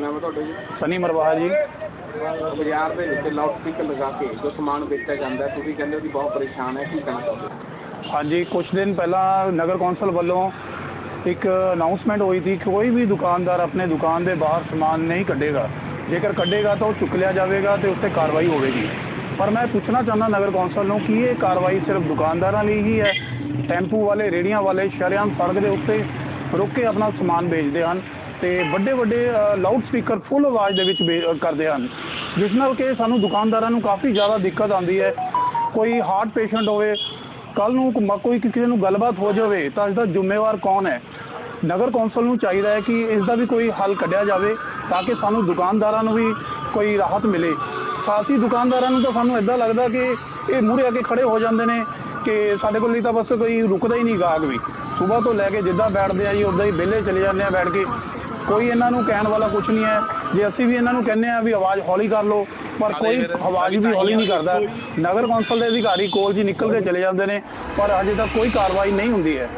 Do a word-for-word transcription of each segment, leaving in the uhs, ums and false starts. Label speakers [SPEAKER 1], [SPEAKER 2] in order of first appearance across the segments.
[SPEAKER 1] नाम है ਤੁਹਾਡਾ ਜੀ?
[SPEAKER 2] सनी मरवाहा जी।
[SPEAKER 1] ਬਾਜ਼ਾਰ ਦੇ ਵਿੱਚ ਲਾਊਡ ਸਪੀਕਰ ਲਗਾ ਕੇ ਜੋ ਸਮਾਨ ਵੇਚਿਆ ਜਾਂਦਾ ਹੈ, ਤੁਸੀਂ ਕਹਿੰਦੇ ਹੋ ਕਿ ਬਹੁਤ ਪਰੇਸ਼ਾਨ ਹੈ, ਕੀ ਕਹਿਣਾ ਚਾਹੁੰਦੇ ਹੋ?
[SPEAKER 2] हाँ जी, कुछ दिन पहला नगर कौंसल वालों एक अनाउंसमेंट हुई थी कि कोई भी दुकानदार अपने दुकान के बाहर समान नहीं कढ़ेगा, जेकर कढ़ेगा तो चुक लिया जाएगा तो उससे कार्रवाई होगी। पर मैं पूछना चाहना नगर कौंसल को कि ये कार्रवाई सिर्फ दुकानदारों लिए ही है? टैंपू वाले, रेहड़ियां वाले शरेआम सड़क के उत्ते रुक के अपना समान बेचते हैं तो ਵੱਡੇ ਵੱਡੇ ਲਾਊਡ ਸਪੀਕਰ ਫੁੱਲ ਆਵਾਜ਼ ਦੇ ਵਿੱਚ ਕਰਦੇ ਹਨ, ਜਿਸ ਨਾਲ ਕਿ ਸਾਨੂੰ ਦੁਕਾਨਦਾਰਾਂ ਨੂੰ ਕਾਫੀ ਜ਼ਿਆਦਾ ਦਿੱਕਤ ਆਉਂਦੀ ਹੈ। ਕੋਈ ਹਾਰਟ ਪੇਸ਼ੈਂਟ ਹੋਵੇ, ਕੱਲ੍ਹ ਨੂੰ ਕੋਈ ਕਿਸੇ ਨੂੰ ਗੱਲਬਾਤ ਹੋ ਜਾਵੇ ਤਾਂ ਇਸ ਦਾ ਜ਼ਿੰਮੇਵਾਰ ਕੌਣ ਹੈ? ਨਗਰ ਕੌਂਸਲ ਨੂੰ ਚਾਹੀਦਾ ਹੈ ਕਿ ਇਸ ਦਾ ਵੀ ਕੋਈ ਹੱਲ ਕੱਢਿਆ ਜਾਵੇ ਤਾਂ ਕਿ ਸਾਨੂੰ ਦੁਕਾਨਦਾਰਾਂ ਨੂੰ ਵੀ ਕੋਈ ਰਾਹਤ ਮਿਲੇ। ਸਾਥੀ ਦੁਕਾਨਦਾਰਾਂ ਨੂੰ ਤਾਂ ਸਾਨੂੰ ਇੱਦਾਂ ਲੱਗਦਾ ਕਿ ਇਹ ਮੂਹਰੇ ਆ ਕੇ ਖੜੇ ਹੋ ਜਾਂਦੇ ਨੇ ਕਿ ਸਾਡੇ ਕੋਲ ਤਾਂ ਬਸ ਕੋਈ ਰੁਕਦਾ ਹੀ ਨਹੀਂ ਗਾਹਕ ਵੀ। ਸੁਬਾਹ ਤੋਂ ਲੈ ਕੇ ਜਿੱਦਾਂ ਬੈਠਦੇ ਆ ਜੀ ਉੱਦਾਂ ਹੀ ਵਿਹਲੇ ਚਲੇ ਜਾਂਦੇ ਆ ਬੈਠ ਕੇ। ਕੋਈ ਇਹਨਾਂ ਨੂੰ ਕਹਿਣ ਵਾਲਾ ਕੁਝ ਨਹੀਂ ਹੈ। ਜੇ ਅਸੀਂ ਵੀ ਇਹਨਾਂ ਨੂੰ ਕਹਿੰਦੇ ਆ ਵੀ ਆਵਾਜ਼ ਹੌਲੀ ਕਰ ਲਓ, ਪਰ ਕੋਈ ਆਵਾਜ਼ ਵੀ ਹੌਲੀ ਨਹੀਂ ਕਰਦਾ। ਨਗਰ ਕੌਂਸਲ ਦੇ ਅਧਿਕਾਰੀ ਕੋਲ ਜੀ ਨਿਕਲ ਕੇ ਚਲੇ ਜਾਂਦੇ ਨੇ, ਪਰ ਅਜੇ ਤੱਕ ਕੋਈ ਕਾਰਵਾਈ ਨਹੀਂ ਹੁੰਦੀ ਹੈ।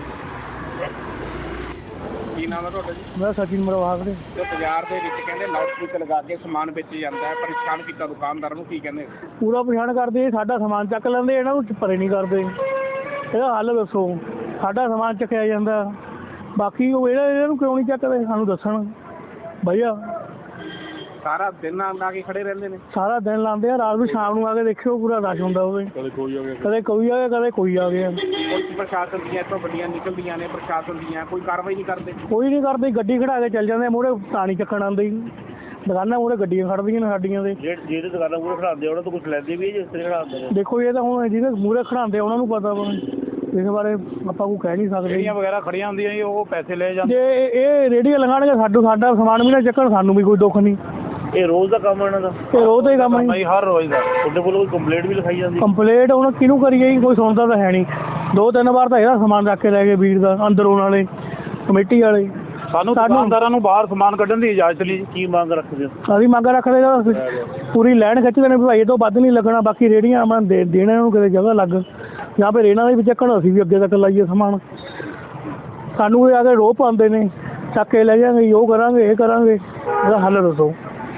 [SPEAKER 1] ਕੀ ਨਾਮ ਹੈ ਤੁਹਾਡਾ ਜੀ?
[SPEAKER 3] ਮੈਂ ਸਚਿਨ ਮਰਵਾਹਾ ਵੀਰੇ।
[SPEAKER 1] ਜੋ ਬਾਜ਼ਾਰ ਦੇ ਵਿੱਚ ਕਹਿੰਦੇ ਲਾਊਡ ਸਪੀਕਰ ਲਗਾ ਕੇ ਸਮਾਨ ਵੇਚਿਆ ਜਾਂਦਾ ਹੈ, ਪਰੇਸ਼ਾਨ ਕੀਤਾ ਦੁਕਾਨਦਾਰਾਂ ਨੂੰ, ਕੀ ਕਹਿੰਦੇ?
[SPEAKER 3] ਪੂਰਾ ਪਛਾਣ ਕਰਦੇ, ਸਾਡਾ ਸਮਾਨ ਚੱਕ ਲੈਂਦੇ, ਇਹਨਾਂ ਨੂੰ ਪਰੇ ਨਹੀਂ ਕਰਦੇ। ਇਹਦਾ ਹੱਲ ਦੱਸੋ। ਸਾਡਾ ਸਮਾਨ ਚੱਕਿਆ ਜਾਂਦਾ, ਬਾਕੀ ਉਹ ਇਹਦਾ ਇਹਨਾਂ ਨੂੰ ਕਿਉਂ ਨਹੀਂ ਚੱਕਦੇ? ਸਾਨੂੰ ਦੱਸਣ ਭਈਆ।
[SPEAKER 1] ਸਾਰਾ ਦਿਨ ਆ ਕੇ ਖੜੇ ਰਹਿੰਦੇ ਨੇ?
[SPEAKER 3] ਸਾਰਾ ਦਿਨ ਲਾਉਂਦੇ ਆ, ਰਾਤ ਨੂੰ ਸ਼ਾਮ ਨੂੰ ਆ ਕੇ ਦੇਖਿਓ ਪੂਰਾ ਰਸ਼ ਹੁੰਦਾ ਹੋਵੇ। ਕਦੇ ਕੋਈ ਆ ਗਿਆ, ਕਦੇ ਕੋਈ ਆ ਗਿਆ, ਕਦੇ ਕੋਈ ਆ ਗਿਆ।
[SPEAKER 1] ਪੁਲਿਸ ਪ੍ਰਸ਼ਾਸਨ ਦੀਆਂ ਇੱਥੋਂ ਗੱਡੀਆਂ ਨਿਕਲਦੀਆਂ ਨੇ, ਪ੍ਰਸ਼ਾਸਨ ਦੀਆਂ ਕੋਈ ਕਾਰਵਾਈ ਨਹੀਂ ਕਰਦੇ?
[SPEAKER 3] ਕੋਈ ਨਹੀਂ ਕਰਦੇ, ਗੱਡੀ ਖੜਾ ਕੇ ਚੱਲ ਜਾਂਦੇ, ਮੂਹਰੇ ਪਾਣੀ ਚੱਕਣ ਆਉਂਦੇ। ਦੁਕਾਨਾਂ ਮੂਹਰੇ ਗੱਡੀਆਂ ਖੜਦੀਆਂ ਨੇ ਸਾਡੀਆਂ ਦੇ।
[SPEAKER 1] ਜਿਹੜੇ ਦੁਕਾਨਾਂ ਮੂਹਰੇ ਖੜਾਉਂਦੇ ਉਹਨਾਂ ਤੋਂ ਕੁਛ ਲੈਂਦੇ ਵੀ ਜਿਸ ਤਰ੍ਹਾਂ ਖੜਾਉਂਦੇ ਨੇ।
[SPEAKER 3] ਦੇਖੋ ਇਹ ਤਾਂ ਹੁਣ ਜਿਹਨੇ ਮੂਹਰੇ ਖੜਾਉਂਦੇ ਉਹਨਾਂ ਨੂੰ ਪਤਾ ਵਾ, ਇਸ ਬਾਰੇ ਆਪਾਂ ਕੋਈ ਕਹਿ ਨਹੀਂ ਸਕਦੇ।
[SPEAKER 2] ਰੇਹੜੀਆਂ ਵਗੈਰਾ ਖੜੀਆਂ ਹੁੰਦੀਆਂ ਜੀ, ਉਹ ਪੈਸੇ ਲੈ ਜਾਂਦੇ।
[SPEAKER 3] ਜੇ ਇਹ ਰੇਹੜੀਆਂ ਲਗਾਉਣਗੇ ਸਾਡੂ ਸਾਡਾ ਸਮਾਨ ਵੀ ਨਾ ਚੱਕਣ, ਸਾਨੂੰ ਵੀ ਕੋਈ ਦੁੱਖ ਨਹੀਂ।
[SPEAKER 1] ਇਹ ਰੋਜ਼ ਦਾ ਕੰਮ ਇਹਨਾਂ ਦਾ?
[SPEAKER 3] ਇਹ ਰੋਜ਼ ਦਾ ਹੀ ਕੰਮ ਹੈ,
[SPEAKER 2] ਹਰ ਰੋਜ਼ ਦਾ।
[SPEAKER 1] ਤੁਹਾਡੇ ਕੋਲ ਕੋਈ ਕੰਪਲੇਂਟ ਵੀ ਲਿਖਾਈ ਜਾਂਦੀ?
[SPEAKER 3] ਕੰਪਲੇਂਟ ਹੁਣ ਕਿਹਨੂੰ ਕਰੀਏ ਜੀ, ਕੋਈ ਸੁਣਦਾ ਤਾਂ ਹੈ ਨਹੀਂ। ਦੋ ਤਿੰਨ ਵਾਰ ਤਾਂ ਇਹਦਾ ਸਮਾਨ ਰੱਖ ਕੇ ਲੈ ਗਏ ਵੀਰ ਦਾ, ਅੰਦਰ ਉਹਨਾਂ ਵਾਲੇ ਕਮੇਟੀ ਵਾਲੇ।
[SPEAKER 2] ਸਾਨੂੰ ਦੁਕਾਨਦਾਰਾਂ ਨੂੰ ਬਾਹਰ ਸਮਾਨ ਕੱਢਣ ਦੀ ਇਜਾਜ਼ਤ ਨਹੀਂ।
[SPEAKER 1] ਕੀ ਮੰਗ ਰੱਖਦੇ ਹੋ?
[SPEAKER 3] ਅਸੀਂ ਮੰਗ ਰੱਖਦੇ ਹਾਂ ਪੂਰੀ ਲਾਈਨ ਖਿੱਚਦੇ ਨੇ ਵੀ ਭਾਈ ਇਹ ਤੋਂ ਵੱਧ ਨਹੀਂ ਲੱਗਣਾ, ਬਾਕੀ ਰੇਹੜੀਆਂ ਆਪਾਂ ਦੇ ਦੇਣਾ ਇਹਨੂੰ ਕਿਤੇ ਜਗ੍ਹਾ ਲੱਗ, ਜਾਂ ਫਿਰ ਇਹਨਾਂ ਦੇ ਵਿੱਚ ਚੱਕਣ, ਅਸੀਂ ਵੀ ਅੱਗੇ ਤੱਕ ਲਾਈਏ ਸਮਾਨ। ਸਾਨੂੰ ਇਹ ਆ ਕੇ ਰੋਹ ਪਾਉਂਦੇ ਨੇ, ਚੱਕ ਕੇ ਲੈ ਜਾਵਾਂਗੇ, ਉਹ ਕਰਾਂਗੇ, ਇਹ ਕਰਾਂਗੇ, ਇਹਦਾ ਹੱਲ ਦੱਸੋ।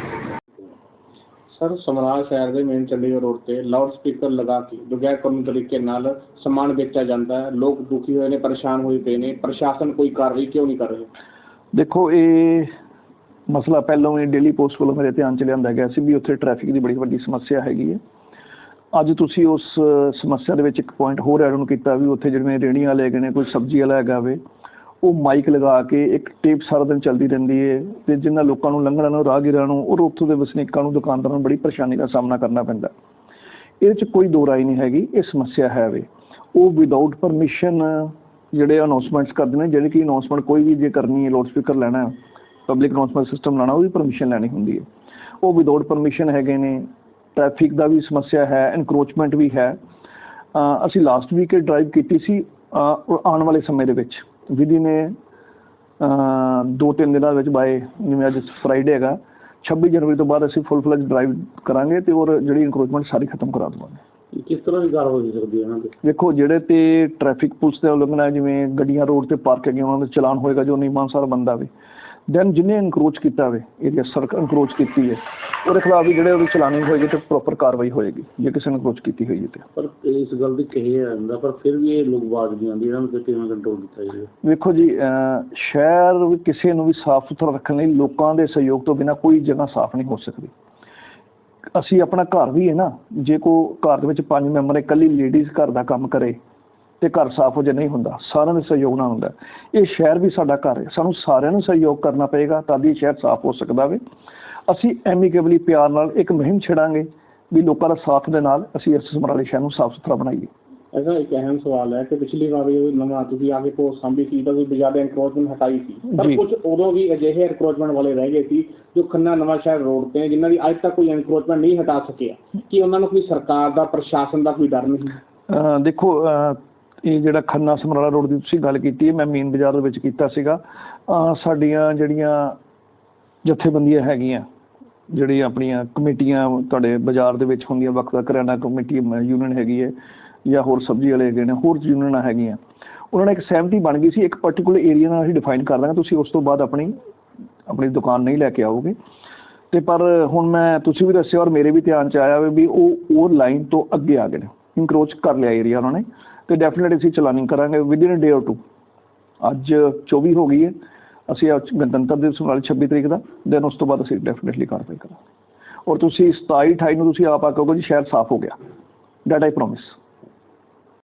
[SPEAKER 1] ਸਰ, ਸਮਰਾਲਾ ਸ਼ਹਿਰ ਦੇ ਮੇਨ ਚੰਡੀਗੜ੍ਹ ਰੋਡ ਤੇ ਲਾਊਡ ਸਪੀਕਰ ਲਗਾ ਕੇ ਬਗੈਰ ਕਾਨੂੰਨੀ ਤਰੀਕੇ ਨਾਲ ਸਮਾਨ ਵੇਚਿਆ ਜਾਂਦਾ ਹੈ। ਲੋਕ ਦੁਖੀ ਹੋਏ ਨੇ, ਪਰੇਸ਼ਾਨ ਹੋਏ ਪਏ ਨੇ। ਪ੍ਰਸ਼ਾਸਨ ਕੋਈ ਕਾਰਵਾਈ ਕਿਉਂ ਨਹੀਂ ਕਰ ਰਿਹਾ?
[SPEAKER 4] ਦੇਖੋ, ਇਹ ਮਸਲਾ ਪਹਿਲਾਂ ਵੀ ਡੇਲੀ ਪੋਸਟ ਵੱਲੋਂ ਮੇਰੇ ਧਿਆਨ 'ਚ ਲਿਆਂਦਾ ਗਿਆ ਸੀ ਵੀ ਉੱਥੇ ਟ੍ਰੈਫਿਕ ਦੀ ਬੜੀ ਵੱਡੀ ਸਮੱਸਿਆ ਹੈਗੀ ਹੈ। ਅੱਜ ਤੁਸੀਂ ਉਸ ਸਮੱਸਿਆ ਦੇ ਵਿੱਚ ਇੱਕ ਪੁਆਇੰਟ ਹੋਰ ਐਡ ਆਨ ਕੀਤਾ ਵੀ ਉੱਥੇ ਜਿਵੇਂ ਰੇਹੜੀਆਂ ਵਾਲੇ ਹੈਗੇ ਨੇ, ਕੋਈ ਸਬਜ਼ੀ ਵਾਲਾ ਹੈਗਾ ਵੇ, ਉਹ ਮਾਈਕ ਲਗਾ ਕੇ ਇੱਕ ਟੇਪ ਸਾਰਾ ਦਿਨ ਚੱਲਦੀ ਰਹਿੰਦੀ ਹੈ ਅਤੇ ਜਿਨ੍ਹਾਂ ਲੋਕਾਂ ਨੂੰ ਲੰਘਣ ਨੂੰ, ਰਾਹਗੀਰਾਂ ਨੂੰ, ਔਰ ਉੱਥੋਂ ਦੇ ਵਸਨੀਕਾਂ ਨੂੰ, ਦੁਕਾਨਦਾਰਾਂ ਨੂੰ ਬੜੀ ਪਰੇਸ਼ਾਨੀ ਦਾ ਸਾਹਮਣਾ ਕਰਨਾ ਪੈਂਦਾ। ਇਹਦੇ 'ਚ ਕੋਈ ਦੋ ਰਾਏ ਨਹੀਂ ਹੈਗੀ, ਇਹ ਸਮੱਸਿਆ ਹੈ ਵੇ। ਉਹ ਵਿਦਆਊਟ ਪਰਮਿਸ਼ਨ ਜਿਹੜੇ ਅਨਾਊਂਸਮੈਂਟਸ ਕਰਦੇ ਨੇ, ਜਿਹੜੀ ਕਿ ਅਨਾਊਂਸਮੈਂਟ ਕੋਈ ਵੀ ਜੇ ਕਰਨੀ ਹੈ, ਲਾਊਡ ਸਪੀਕਰ ਲੈਣਾ, ਪਬਲਿਕ ਅਨਾਊਂਸਮੈਂਟ ਸਿਸਟਮ ਲਾਉਣਾ, ਉਹਦੀ ਪਰਮਿਸ਼ਨ ਲੈਣੀ ਹੁੰਦੀ ਹੈ। ਉਹ ਵਿਦਆਊਟ ਪਰਮਿਸ਼ਨ ਹੈਗੇ ਨੇ। ਟ੍ਰੈਫਿਕ ਦਾ ਵੀ ਸਮੱਸਿਆ ਹੈ, ਇਨਕਰੋਚਮੈਂਟ ਵੀ ਹੈ। ਅਸੀਂ ਲਾਸਟ ਵੀਕ ਇਹ ਡਰਾਈਵ ਕੀਤੀ ਸੀ। ਆਉਣ ਵਾਲੇ ਸਮੇਂ ਦੇ ਵਿੱਚ ਵਿਧੀ ਨੇ ਦੋ ਤਿੰਨ ਦਿਨਾਂ ਵਿੱਚ ਬਾਏ, ਜਿਵੇਂ ਅੱਜ ਫਰਾਈਡੇ ਹੈਗਾ, ਛੱਬੀ ਜਨਵਰੀ ਤੋਂ ਬਾਅਦ ਅਸੀਂ ਫੁੱਲ ਫਲੈਜ ਡਰਾਈਵ ਕਰਾਂਗੇ ਅਤੇ ਔਰ ਜਿਹੜੀ ਇਨਕਰੋਚਮੈਂਟ ਸਾਰੀ ਖਤਮ ਕਰਾ ਦੇਵਾਂਗੇ।
[SPEAKER 1] ਕਿਸ ਤਰ੍ਹਾਂ ਦੀ ਕਾਰਵਾਈ ਹੋ ਸਕਦੀ ਹੈ ਇਹਨਾਂ 'ਤੇ?
[SPEAKER 4] ਦੇਖੋ, ਜਿਹੜੇ ਤੇ ਟ੍ਰੈਫਿਕ ਪੁਲਿਸ ਦੇ ਉਲੰਘਣਾ ਹੈ, ਜਿਵੇਂ ਗੱਡੀਆਂ ਰੋਡ 'ਤੇ ਪਾਰਕ ਹੈਗੀਆਂ, ਉਹਨਾਂ ਦਾ ਚਲਾਨ ਹੋਏਗਾ ਜੋ ਨਿਯਮਾਨੁਸਾਰ ਬੰਦਾ ਵੇ। ਦੈਨ ਜਿਹਨੇ ਇਨਕਰੋਚ ਕੀਤਾ ਹੋਵੇ, ਏਰੀਆ ਸੜਕ ਇਨਕਰੋਚ ਕੀਤੀ ਹੈ, ਉਹਦੇ ਖਿਲਾਫ ਵੀ ਜਿਹੜੇ ਉਹਦੀ ਚਲਾਨੀ ਹੋਏਗੀ ਅਤੇ ਪ੍ਰੋਪਰ ਕਾਰਵਾਈ ਹੋਏਗੀ ਜੇ ਕਿਸੇ ਨੇ ਇਨਕਰੋਚ ਕੀਤੀ ਹੋਈ ਹੈ। ਤੇ
[SPEAKER 1] ਪਰ ਇਸ ਗੱਲ ਦੀ ਕਹੀ ਜਾਂਦਾ, ਪਰ ਫਿਰ ਵੀ ਇਹ ਲੋਕ ਆਵਾਜ਼ ਨਹੀਂ ਆਉਂਦੀ, ਇਹਨਾਂ ਨੂੰ ਕਿਵੇਂ ਕੰਟਰੋਲ ਕੀਤਾ ਜਾਵੇ?
[SPEAKER 4] ਵੇਖੋ ਜੀ, ਸ਼ਹਿਰ ਵੀ ਕਿਸੇ ਨੂੰ ਵੀ ਸਾਫ਼ ਸੁਥਰਾ ਰੱਖਣ ਲਈ ਲੋਕਾਂ ਦੇ ਸਹਿਯੋਗ ਤੋਂ ਬਿਨਾਂ ਕੋਈ ਜਗ੍ਹਾ ਸਾਫ਼ ਨਹੀਂ ਹੋ ਸਕਦੀ। ਅਸੀਂ ਆਪਣਾ ਘਰ ਵੀ ਹੈ ਨਾ, ਜੇ ਕੋਈ ਘਰ ਦੇ ਵਿੱਚ ਪੰਜ ਮੈਂਬਰ, ਇਕੱਲੀ ਲੇਡੀਜ਼ ਘਰ ਦਾ ਕੰਮ ਕਰੇ ਅਤੇ ਘਰ ਸਾਫ਼ ਹੋ ਜੇ, ਨਹੀਂ ਹੁੰਦਾ, ਸਾਰਿਆਂ ਦੇ ਸਹਿਯੋਗ ਨਾਲ ਹੁੰਦਾ। ਇਹ ਸ਼ਹਿਰ ਵੀ ਸਾਡਾ ਘਰ ਹੈ, ਸਾਨੂੰ ਸਾਰਿਆਂ ਨੂੰ ਸਹਿਯੋਗ ਕਰਨਾ ਪਏਗਾ ਤਾਂ ਹੀ ਸ਼ਹਿਰ ਸਾਫ਼ ਹੋ ਸਕਦਾ ਵੇ। ਅਸੀਂ ਐਮੀਕੇਬਲੀ ਪਿਆਰ ਨਾਲ ਇੱਕ ਮੁਹਿੰਮ ਛੇੜਾਂਗੇ ਵੀ ਲੋਕਾਂ ਦਾ ਸਾਥ ਦੇ ਨਾਲ ਅਸੀਂ ਇਸ ਸਮਰਾਲੇ ਸ਼ਹਿਰ ਨੂੰ ਸਾਫ਼ ਸੁਥਰਾ ਬਣਾਈਏ।
[SPEAKER 1] ऐसा एक अहम सवाल है कि पिछली बार नवा ਤੁਸੀਂ ਆ ਕੇ ਪੋਸਟ ਸਾਂਭੀ ਸੀ ਤਾਂ ਕੋਈ ਜ਼ਿਆਦਾ ਐਨਕਰੋਚਮੈਂਟ ਹਟਾਈ ਸੀ, ਪਰ ਕੁਝ ਉਦੋਂ ਵੀ ਅਜਿਹੇ ਐਨਕਰੋਚਮੈਂਟ ਵਾਲੇ ਰਹਿ ਗਏ ਸੀ ਜੋ ਖੰਨਾ ਨਵਾਂ ਸ਼ਹਿਰ ਰੋਡ ਤੇ ਜਿਨ੍ਹਾਂ ਦੀ ਅੱਜ ਤੱਕ ਕੋਈ ਐਨਕਰੋਚਮੈਂਟ ਨਹੀਂ ਹਟਾ ਸਕਿਆ। ਕਿ ਉਹਨਾਂ ਨੂੰ ਕੋਈ ਸਰਕਾਰ ਦਾ, ਪ੍ਰਸ਼ਾਸਨ ਦਾ ਕੋਈ ਡਰ ਨਹੀਂ?
[SPEAKER 4] ਦੇਖੋ, ਇਹ ਜਿਹੜਾ ਖੰਨਾ ਸਮਰਾਲਾ ਰੋਡ ਦੀ ਤੁਸੀਂ ਗੱਲ ਕੀਤੀ ਹੈ, ਮੈਂ ਮੇਨ ਬਾਜ਼ਾਰ ਦੇ ਵਿੱਚ ਕੀਤਾ ਸੀਗਾ। ਸਾਡੀਆਂ ਜਿਹੜੀਆਂ ਜਥੇਬੰਦੀਆਂ ਹੈਗੀਆਂ, ਜਿਹੜੀਆਂ ਆਪਣੀਆਂ ਕਮੇਟੀਆਂ ਤੁਹਾਡੇ ਬਾਜ਼ਾਰ ਦੇ ਵਿੱਚ ਹੁੰਦੀਆਂ, ਵੱਖ ਵੱਖ ਕਰਿਆਨਾ ਕਮੇਟੀ ਯੂਨੀਅਨ ਹੈਗੀ ਹੈ ਜਾਂ ਹੋਰ ਸਬਜ਼ੀ ਵਾਲੇ ਹੈਗੇ ਨੇ, ਹੋਰ ਯੂਨੀਅਨਾਂ ਹੈਗੀਆਂ, ਉਹਨਾਂ ਨੇ ਇੱਕ ਸਹਿਮਤੀ ਬਣ ਗਈ ਸੀ, ਇੱਕ ਪਰਟੀਕੂਲਰ ਏਰੀਆ ਨਾਲ ਅਸੀਂ ਡਿਫਾਈਨ ਕਰ ਦਾਂਗੇ, ਤੁਸੀਂ ਉਸ ਤੋਂ ਬਾਅਦ ਆਪਣੀ ਆਪਣੀ ਦੁਕਾਨ ਨਹੀਂ ਲੈ ਕੇ ਆਓਗੇ। ਤੇ ਪਰ ਹੁਣ ਮੈਂ ਤੁਸੀਂ ਵੀ ਦੱਸਿਆ ਔਰ ਮੇਰੇ ਵੀ ਧਿਆਨ 'ਚ ਆਇਆ ਵੀ ਉਹ ਉਹ ਲਾਈਨ ਤੋਂ ਅੱਗੇ ਆ ਗਏ ਨੇ, ਇਨਕਰੋਚ ਕਰ ਲਿਆ ਏਰੀਆ ਉਹਨਾਂ ਨੇ, ਤੇ ਡੈਫੀਨੇਟਲੀ ਅਸੀਂ ਚਲਾਨਿੰਗ ਕਰਾਂਗੇ ਵਿਦਿਨ ਡੇ ਔਰ ਟੂ। ਅੱਜ ਚੌਵੀ ਹੋ ਗਈ ਹੈ, ਅਸੀਂ ਅੱਜ ਗਣਤੰਤਰ ਦਿਵਸ ਵਾਲੀ ਛੱਬੀ ਤਰੀਕ ਦਾ, ਦੈਨ ਉਸ ਤੋਂ ਬਾਅਦ ਅਸੀਂ ਡੈਫੀਨੇਟਲੀ ਕਾਰਵਾਈ ਕਰਾਂਗੇ। ਔਰ ਤੁਸੀਂ ਸਤਾਈ ਅਠਾਈ ਨੂੰ ਤੁਸੀਂ ਆਪ ਆ ਕਹੋਗੇ ਜੀ ਸ਼ਹਿਰ ਸਾਫ਼ ਹੋ ਗਿਆ, ਦੈਟ ਆਈ ਪ੍ਰੋਮਿਸ।